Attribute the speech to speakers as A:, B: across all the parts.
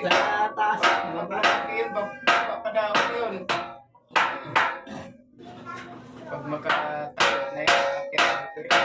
A: Sa taas.
B: Malaki yun, papadao yun. Pag makatayo na yun, akit dito yun.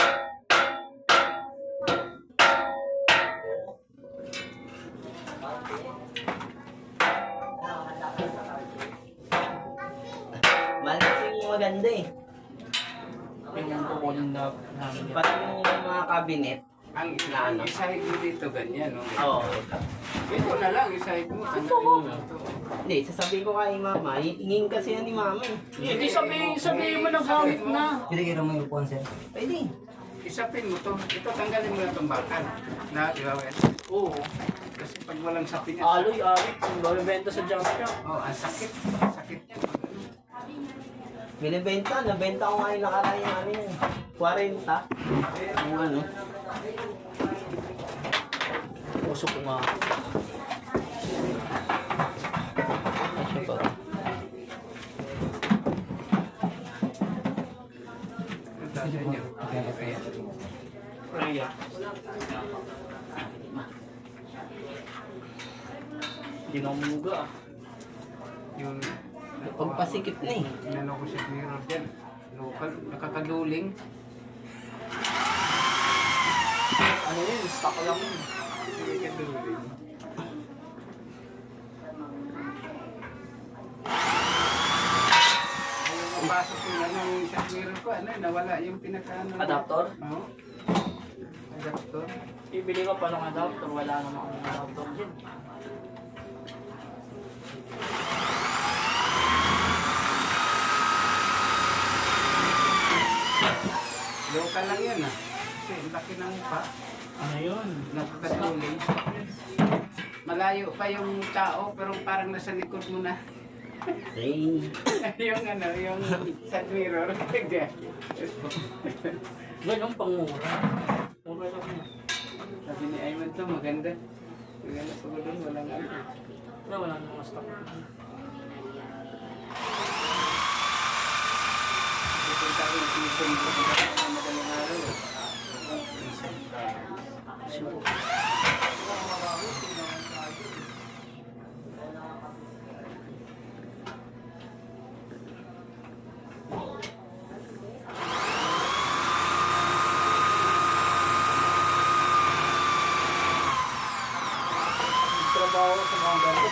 A: Malas yung maganda eh.
C: Yung kukunin na namin yan.
A: Pati yung mga cabinet.
B: Ang
A: Ano?
B: isahig mo dito, ganyan, no?
A: Oo.
B: Ito na lang, isahig mo. Ano yun?
A: Hindi, sasabihin ko kay mama. Ingin kasi yan ni mama eh.
C: Hindi sabihin mo na gamit na.
D: Pinagkira mo yung upuan, sir.
A: Pwede.
B: Isapin mo to. Ito, tanggalin mo na itong bakal. Na, di ba, Wes?
C: Oo.
B: Kasi pag walang sapin yan.
C: Aloy, arit. Kung babibenta sa junk shop.
B: Oh, ang sakit. Ang sakit niya. Pag ano.
A: Binibenta. Nabenta ko nga yung nakaraan yung ano yan. 40. Yung ano.
C: Puso ko nga.
A: Asya pa.
B: Ang dami niyo. Kaya.
C: Raya. Hindi na umuga ah.
B: Yung
A: Pagpasikip na eh.
B: inano ko si mirror dyan. Local, nakakaduling.
C: Ano yun? Stock lang yun.
B: Nakakaduling. Ayaw mapasok yung ano yung sa mirror ko. Ano, nawala yung pinaka-ano.
C: Adapter?
B: Oo. Adapter.
C: Bibili ka pa ng adapter. Wala namang adapter dyan.
B: Local lang yan ah. Kasi ang laki ng pa.
C: Ano yun?
B: Nakakaduling. Malayo pa yung tao pero parang nasa likod mo na.
A: Hey.
B: Yung ano, yung sa mirror.
C: Ganun pangmura. Mura lang yun.
B: Sabi ni Ayman to, maganda. Maganda pa doon, walang ano.
C: Wala namang stock.
B: Pupunta ko yung season ko sa madaling araw.
C: Siguro. Trabaho sa mga ganito,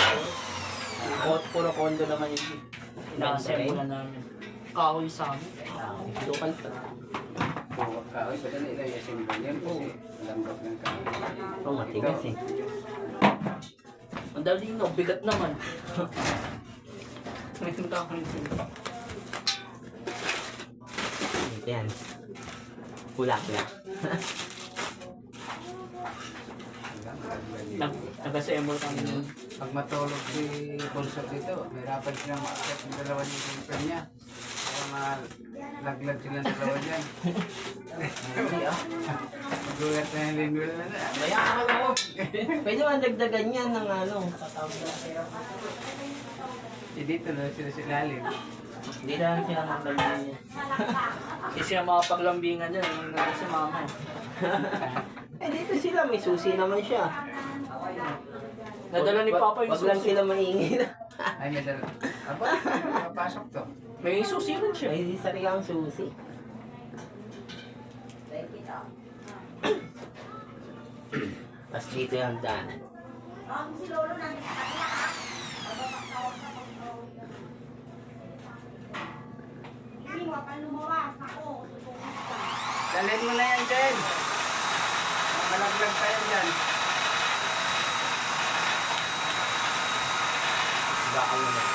C: puro kondo naman yun. Ina-assemble na namin. Kahoy sa amin.
A: Local pa.
B: Buwag kahoy, padali na yung symbol yan kasi lambot ng kahoy.
A: Oh, matigas eh.
C: Ang dali no, bigat naman. Ngayon kahoy sila.
A: Ito yan. Pula-pula.
C: Nag-assemble kami nun.
B: Pag matulog si Bolsot dito, mahirapan silang makakit ng dalawa yung simple niya. Kaya malaglag silang dalawa dyan. Magulat na yung lindwil na na. Bayaan ka mo!
A: Pwede man dagdagan yan ng ano.
B: Dito na sila silalim.
A: Hindi lang sila magdagdagan niya.
C: Kasi siya makapaglambingan dyan. Ang ganda si mama eh.
A: Eh dito sila, may susi naman siya.
C: Nadala ni Papa yung
A: Wag lang
C: susi.
A: sila maingit.
B: Ay, may dala. Aba, mapasok to.
C: May susi rin siya.
A: May sarilang susi. Tapos dito yung hagdanan.
E: Si Lolo nandun sa kanila, ha? Hindi, huwag kang lumawas. Ako, tutulungan ka.
B: Dalhin mo na yan, Jen. Malaglag pa yan dyan.
A: Baka mo na.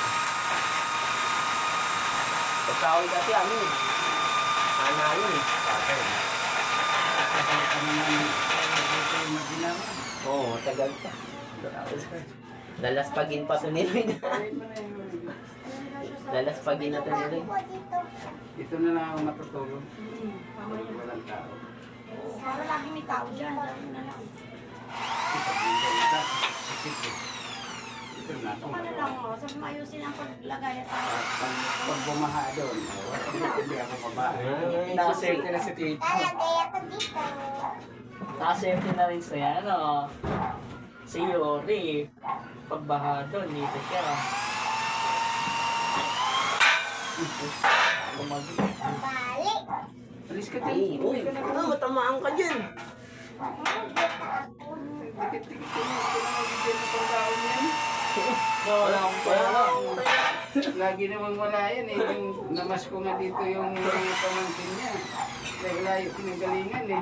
A: Pagkahoy kasi ano eh. Ano eh.
B: Patay. Ano naman, dito yung maginawa.
A: Oo, tagal pa. Lalaspagin pa ito nila.
B: Dalhin mo na yun.
A: Lalaspagin na ito nila.
B: Dito na lang ako matutulog. Walang tao.
E: Para lagi may tao dyan. Dahil na lang.
B: Ito, dito, ito. Sikit eh. Ito na ako.
E: Ano lang, oh. Sabi mo ayusin ang paglagay at
B: Pag bumaha doon, hindi ako babae.
C: Nakaserte na si Tito.
E: Lalagay ako dito.
C: Nakaserte na rin siya. Ano? Si Yori, pagbaha doon, dito siya. Lumagi.
E: Balik.
B: Alis ka
A: Ay,
B: din.
A: uy, matamaan ka dyan.
B: Dikit-dikit ko mo. Ito na magbigyan na pang taon yan.
C: Wala akong pera.
B: Lagi namang wala yan eh. Yung namas ko nga dito yung mga pamangkin niya. Dahil layo pinagalingan eh.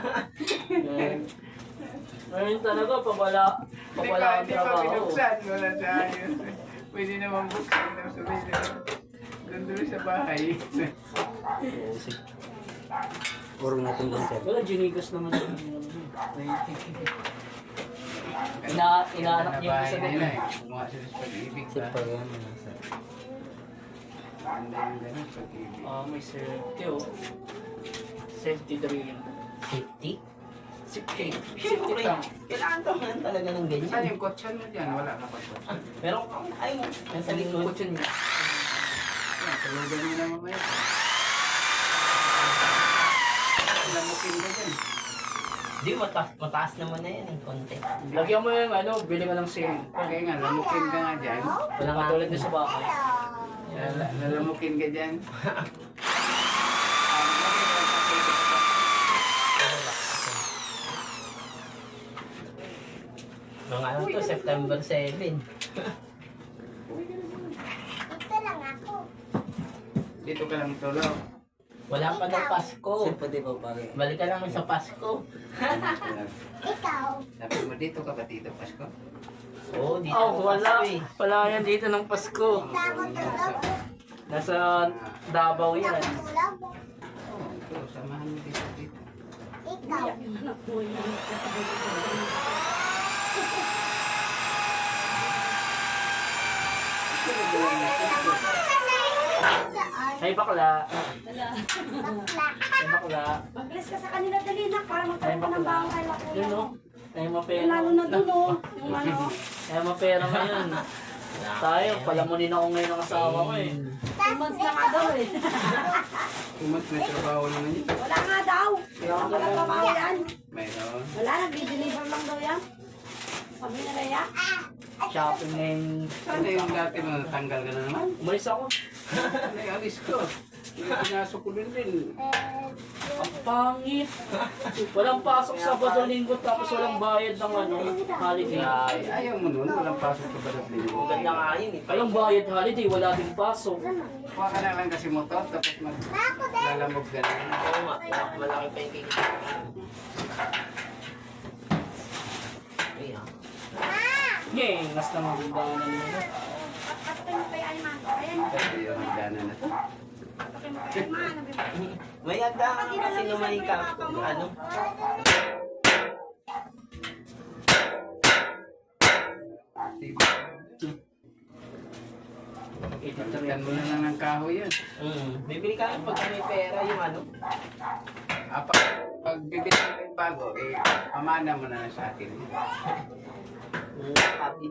C: Ngayon talaga, pag wala
B: Hindi
C: ang
B: pa
C: trabaho.
B: binuksan. Wala sa ayos. Pwede naman buksan. Sabihin na. Doon sa bahay.
A: Urong natin doon, sir.
C: Wala, ginigas naman yung inaanak niya
B: bahay
C: sa
B: nila
C: gabi.
B: eh. Kumuha sila sa pag-ibig
A: Sir,
B: ba?
A: pag yan, sir.
B: Ganda yung ganun, pag-ibig.
C: May safety oh. Safety drill.
A: Safety?
C: Safety. Safety
A: Siyempre,
C: tank.
A: kailangan to man talaga ng
B: Saan
A: ganyan.
B: yung kotsan mo dyan? Wala ka pa kotsan.
A: Meron kang, ay, nasa likod.
C: Kutsin niya.
B: Yan, tulugan nyo na mamaya. Lamukin ka dyan.
A: Di, mataas naman na yan, konti.
C: Lagyan mo yung bili ka ng sale.
B: Kaya nga, lamukin ka nga dyan.
C: Wala nga tulad na sa bahay.
B: Lalamukin ka dyan.
A: Mga ano to, September 7.
E: Ito lang ako.
B: Dito ka lang tulog.
A: Wala pa daw Pasko.
D: Pwede pa pare.
A: Balik ka naman sa Pasko.
E: Ikaw.
B: Sabi mo, dito ka ba dito, Pasko?
A: Oo, dito
C: Oh,
A: ako
C: wala.
A: Pasko eh.
C: Wala yan dito ng Pasko.
E: Ako tulog.
C: Nasa Davao yan.
E: Ako tulog.
B: Oo, ito, samahan mo dito dito.
E: Ikaw.
C: Ay bakla.
E: Bakla.
C: Ay bakla.
E: Mag-bless ka sa kanila dali na para magkaroon ka ng baong kay Lakuya.
C: Yun no. Ay mapera.
E: Lalo na dun oh. Yung ano.
C: Ay mapera ngayon. Tayo, palamunin ako ngayon ng asawa ko eh.
E: 2 months na nga daw eh.
B: Kumat, may trabaho naman yun.
E: Wala nga daw. Wala trabaho yan.
B: Mayroon.
E: Wala, nag-deliver lang daw yan. Sabi na Leia.
C: Shopping ngayon.
B: Ano yung dati mo, tanggal ka na naman?
C: Umalis ako.
B: Ano yung alis ko? Pinasok ko din.
C: Ang pangit. Walang pasok Sabado Linggo tapos walang bayad ng holiday.
B: Ay, ayaw mo nun, walang pasok sa balat linggo.
A: Ang ganda nga yun eh.
C: Walang bayad holiday, wala din pasok.
B: Kuha ka na lang kasi motor, tapos maglalamog ka na.
A: Oo nga, malaki pa yung kikita. Ay, ah.
C: Yay, mas na magandaan mo.
E: Patakin mo kay Ayman. Ayan.
B: Pwede yung hagdana na to.
E: Patakin mo kay Ayman.
A: May agda ka kasi naman ka. Ano?
B: Pagkatan mo na lang ng kahoy yan.
A: Bibili ka pag may pera yung ano.
B: Pag bibili mo yung bago, pamana mo na lang sa akin.
A: Happy.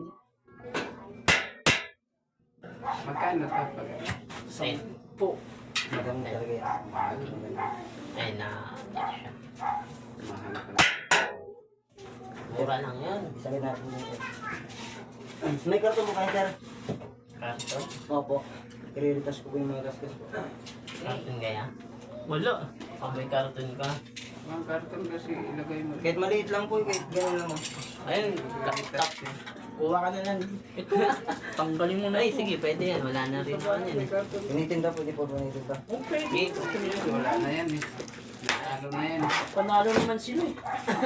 B: Magkano to pag
A: Sen.
C: Po.
D: Maganda talaga yan.
B: mahal?
A: Ay na.
B: Mahal ka.
A: Mura lang yan.
D: Sabi natin dito. May karton mo kayo, sir?
A: Karton.
D: Opo. I-retas ko po yung mga gasgas ko.
A: Karton kaya.
C: Wala.
A: Pag may karton ka.
B: Mga karton kasi ilagay mo.
D: Kahit maliit lang po, kahit gano'n lang.
A: Ayun. Tap. Kuha ka na lang.
C: Ito, tanggalin mo na.
A: Ay, sige, pwede yan. Wala na rin naman yan eh.
D: Tinitinda, pwede po tinitinda.
C: Okay.
B: Wala na yan eh. Ano na yan.
C: Panalo naman sila eh.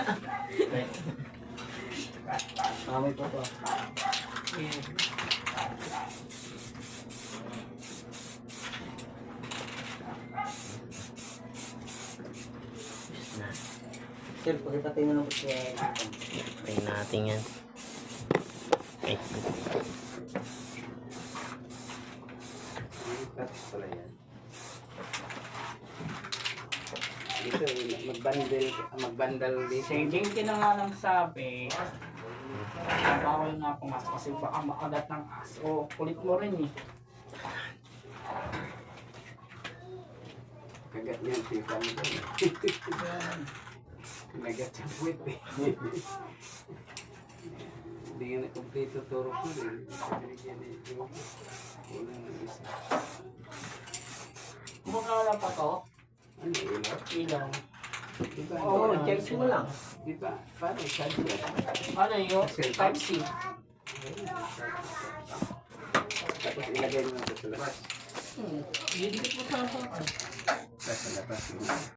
D: Amoy po po.
A: Na.
D: Sir, pakipatay mo lang po siya.
A: Try natin yan. Okay.
B: Tapos pala yan. Dito, magbandal dito.
C: Si Jinky na nga lang sabi, bawal nga pumasok kasi baka makagat ng aso. Kulit mo rin eh.
B: Kagat niyan, tita mo doon. Nagat yung puwit eh. Hindi nga na kompleto turo ko rin. Binigyan ni yung kulang ng isa.
C: Kumakaala pa to.
B: Ano yun?
C: Ilaw.
B: Diba?
A: Oo, check mo lang.
B: Diba? Paano charger?
C: Ano yun? Type-C.
B: Tapos ilagay mo na sa labas.
C: Didikit mo sa
B: Sa labas.